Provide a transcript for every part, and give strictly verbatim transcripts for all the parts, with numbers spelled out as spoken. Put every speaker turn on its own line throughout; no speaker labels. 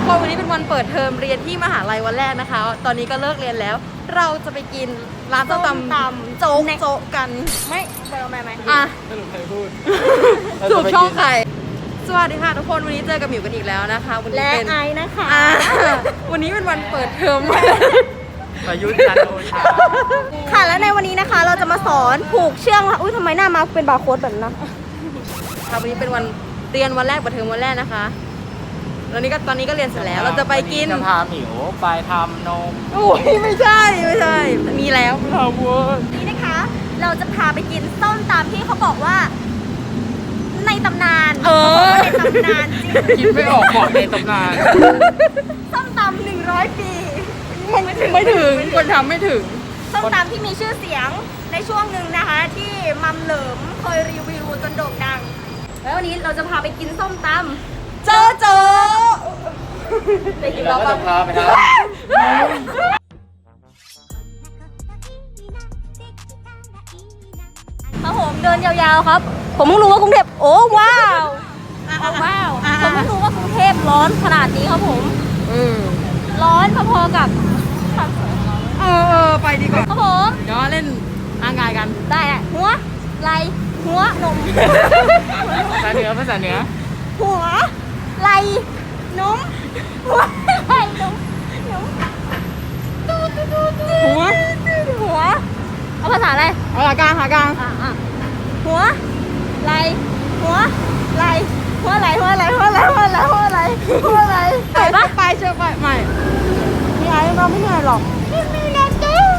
กคนวันนี้เป็นวันเปิดเทอมเรียนที่มหาลัยวันแรกนะคะตอนนี้ก็เลิกเรียนแล้วเราจะไปกินร้านส้มตำตำโจ๊กโจ๊กกันไม่ไปเอาไหมไหมอ่ะสรุปใครพูดสูบช่องใครสวัสดีค่ะทุกคนวันนี้เจอกับหมิวกันอีกแล้วนะคะวันนี้เป็น
และไอนะคะ
วันนี้เป็นวันเปิดเทอม
ประยุทธ์จันโอชา
ค่ะและในวันนี้นะคะเราจะมาสอนผูกเชือกค่ะอุ้ยทำไมหน้ามาเป็นบาร์โค้ดแบบนั้น
ค่ะวันนี้เป็นวันเรียนวันแรกเปิดเทอมวันแรกนะคะตอนนี้ก็ตอนนี้ก็เรียนเสร็จแล้วเราจะไปกิน
จะพาหมิวไปทำนม
โอ้ยไม่ใช่ไม่ใช่มีแล้ว
เราเวิร์
นี่นะคะเราจะพาไปกินส้มตำที่เขาบอกว่าในตำนาน
เออ
ในตำนานจริง
คิดไม่ออกบอกในตำนาน
ส้มตำหนึ่งร้อยปี
ไม่ถึงไม่ถึงคนทำไม่ถึง
ส้มตำที่มีชื่อเสียงในช่วงหนึ่งนะคะที่มัมเหลิมเคยรีวิวจนโด่งดังแล้ววันนี้เราจะพาไปกินส้มตำ
เจอเจอ
ไปกินแล้วก็จะพาไปนะ
ครับผมเดินยาวๆครับผมเพิ่งรู้ว่ากรุงเทพโอ้ว้าวว้าวผมเพิ่งรู้ว่ากรุงเทพร้อนขนาดนี้ครับผมร้อนพอๆกับ
เออเออไปดีกว่า
ครับผม
เดี๋ยวเล่นร่างกายกัน
ได้แหละหัวไหล่หัวนม
ภาษาเหนือภาษาเหนือ
หัวไหล่นมหัวไหล่นมนม
หัว
หัวเอาภาษาอะไร
เอาหากลางหากลาง
หัวไหล่หัวไหล่หัวไหล่หัวไหล่หัวไหล่หัวไหล่หัวไหล่หัวไหล่
ไปปะไปเชื่อไปไม่
พี่ไอ้เราไม่เหนื่อยหรอกไม่เหนื่อยจ้า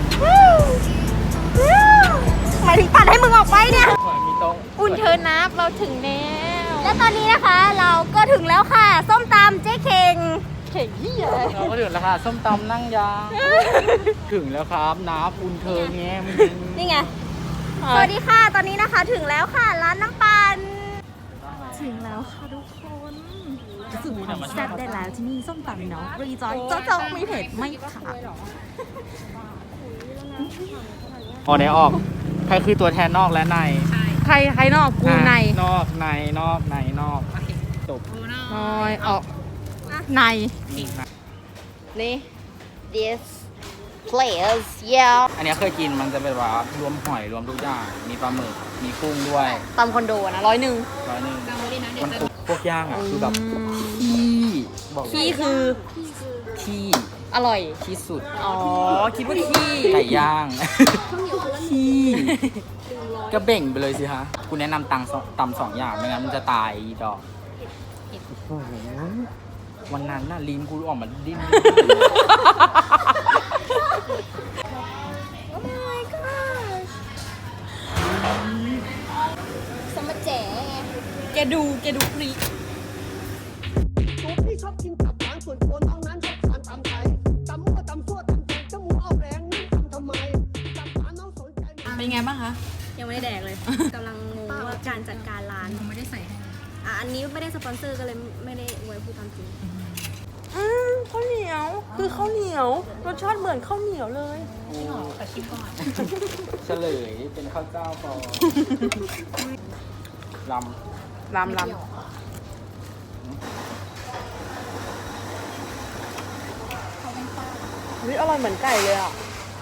หมายถึงปัดให้มึงออกไปเนี่ย
อุ่นเธอนับเราถึงแล้ว
และตอนนี้นะคะเราก็ถึงแล้วค่ะส้มตำเจ๊เข่ง
เข่งที่ใหญ่
เราก็ถึงแล้วค่ะส้มตำนั่งยางถึงแล้วครับน้ำอุ่นเธอแง้ม
นี่ไงสวัสดีค่ะตอนนี้นะคะถึงแล้วค่ะร้านน้ำปั่นถึงแล้วค่ะทุกคน
สูตรความแซ่บได้แล้วที่นี่ส้มตำเนาะรีจอยเจ้าเจ้าไม่เผ็ดไม่ขาด
พอเนี้ยออกใครคือตัวแทนนอกและใน
ใครใครนอกกูใน
นอกในนอกในนอกจบ
น้อยออกในนี่
this place yeah
อันนี้เคยกินมันจะเป็นว่ารวมหอยรวมทุกอย่างมีปลาหมึกมีกุ้งด้วย
ตำคอนโดนะร้อยหนึ่ง
ร้อยหนึ่งมันพวกย่างอ่ะคือแบบขี้บอก
ขี้คือ
ขี้
อร่อย
ที่สุด
อ๋อคิดว่าขี้
ไก่ย่างขี้ก็เบ่งไปเลยสิฮะคุณแนะนำตังตำสองอย่างไม่งั้นมันจะตายดอกวันนั้นน่ะลิ้นกูออกมาดิ้น
สมเจ๋
แกดูแกดูคลิป
ตัวพี่ชอบกินตับหวานส่วนตัวน้องนั้นชอบทานตำไทยตำมั่วตำซั่วตำแตงจมูกออกแรงนี่ทำทำไมตำหวานน้องสนใจ
เป็นไงบ้างคะ
ยังไม่ได้แดกเลยกำลังงงว่าการจัดการร้าน
ไม่ได้ใส่ให้
อ่ะอันนี้ไม่ได้สปอนเซอร์ก็เลยไม่ได้ไว้พูดตามจริง
อืมข้าวเหนียวคือข้าวเหนียวรสชาติเหมือนข้าวเหนียวเลย
แต่ชิมก่อนเฉลยเป็นข้าวเจ้าพอล
ำลำลำวิอร่อยเหมือนไก่เลยอ่ะ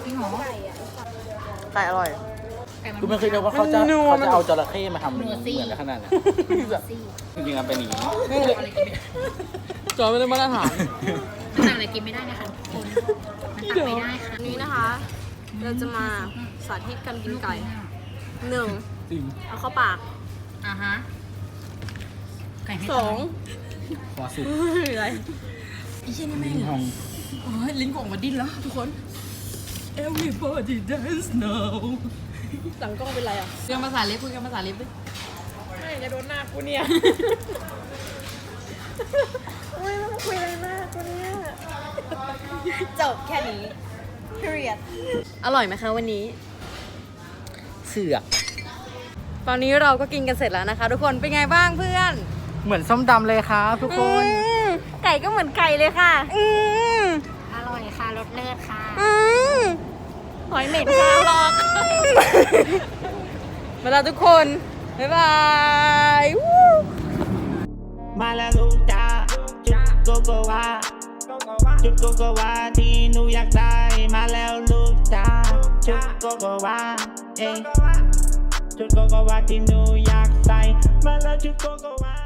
ไก่อร่อย
คือไม่เคยนึกว่าเขาจะเขาจะเอาจระเข้มาทำเหมือนขนาดนั้นจริงๆมันเป็นอย่างนี้
จอไม่ได้มาตรฐาน
มันอะไรกินไม่ได้นะคะคนมันตักไม่ได้ค่ะ
นี้นะคะเราจะมาสาธิตการกินไก่หนึ่งเอาเข้าปาก
อ่าฮะ
สอง
ขอสุด
อะไรไอ้เช่นนี่แม่งโอ้ยลิ้นกูออกมาดิ้นแล้วทุกคน Everybody dance now หลังกล้องเป็นไรอ่ะคุยกันภาษาเล็บคุยกันภาษาเล็บดิไม่จะโดนหน้ากูเนี่ย
อุ้ยต้องคุยอะไรมากกูเนี่ยจบแค่นี้ period
อร่อยไหมคะวันนี้
เสือก
ตอนนี้เราก็กินกันเสร็จแล้วนะคะทุกคนเป็นไงบ้างเพื่อน
เหมือนส้มตำเลยครับทุกคน
ไก่ก็เหมือนไก่เลยค่ะ
อืม
อร่อยค่ะรสเลิศค่ะ
อืม
หอยเหม็นค่ะหรอก
มาแล้วทุกคนบ๊ายบาย
มาแล้วลูกจ้าชุดโกโกวาชุดโกโกวาที่หนูอยากได้มาแล้วลูกจ้าชุดโกโกวาเอ้ชุดโกโกวาที่หนูอยากใส่มาแล้วชุดโกโกวา